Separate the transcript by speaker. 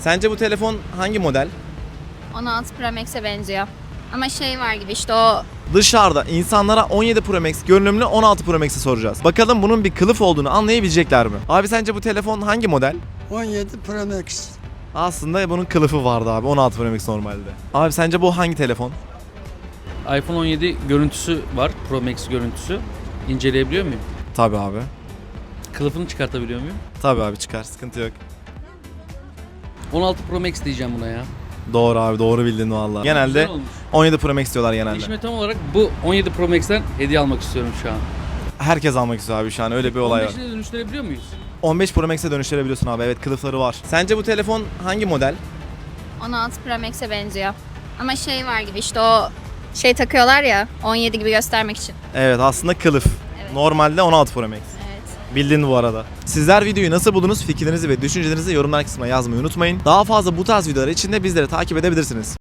Speaker 1: Sence bu telefon hangi model?
Speaker 2: 16 Pro Max'e benziyor. Ama şey var gibi işte o
Speaker 1: Dışarıda insanlara 17 Pro Max görünümlü 16 Pro Max'i soracağız. Bakalım bunun bir kılıf olduğunu anlayabilecekler mi? Abi sence bu telefon hangi model?
Speaker 3: 17 Pro Max.
Speaker 1: Aslında bunun kılıfı vardı abi, 16 Pro Max normalde. Abi sence bu hangi telefon?
Speaker 4: iPhone 17 görüntüsü var. Pro Max görüntüsü. İnceleyebiliyor muyum?
Speaker 1: Tabii abi.
Speaker 4: Kılıfını çıkartabiliyor muyum?
Speaker 1: Tabii abi, çıkar, sıkıntı yok.
Speaker 4: 16 Pro Max diyeceğim buna ya.
Speaker 1: Doğru abi, doğru bildin vallahi. Genelde
Speaker 4: Güzel olmuş.
Speaker 1: 17 Pro Max diyorlar genelde.
Speaker 4: Eşime tam olarak bu 17 Pro Max'ten hediye almak istiyorum şu an.
Speaker 1: Herkes almak istiyor abi şu an, öyle bir olay var.
Speaker 4: 15'ine dönüştürebiliyor muyuz?
Speaker 1: 15 Pro Max'e dönüştürebiliyorsun abi, evet, kılıfları var. Sence bu telefon hangi model?
Speaker 2: 16 Pro Max'e benziyor. Ama şey var gibi işte o şey takıyorlar ya 17 gibi göstermek için.
Speaker 1: Evet, aslında kılıf.
Speaker 2: Evet.
Speaker 1: Normalde 16 Pro Max.
Speaker 2: Evet.
Speaker 1: Bildin bu arada. Sizler videoyu nasıl buldunuz? Fikirlerinizi ve düşüncelerinizi yorumlar kısmına yazmayı unutmayın. Daha fazla bu tarz videolar için de bizleri takip edebilirsiniz.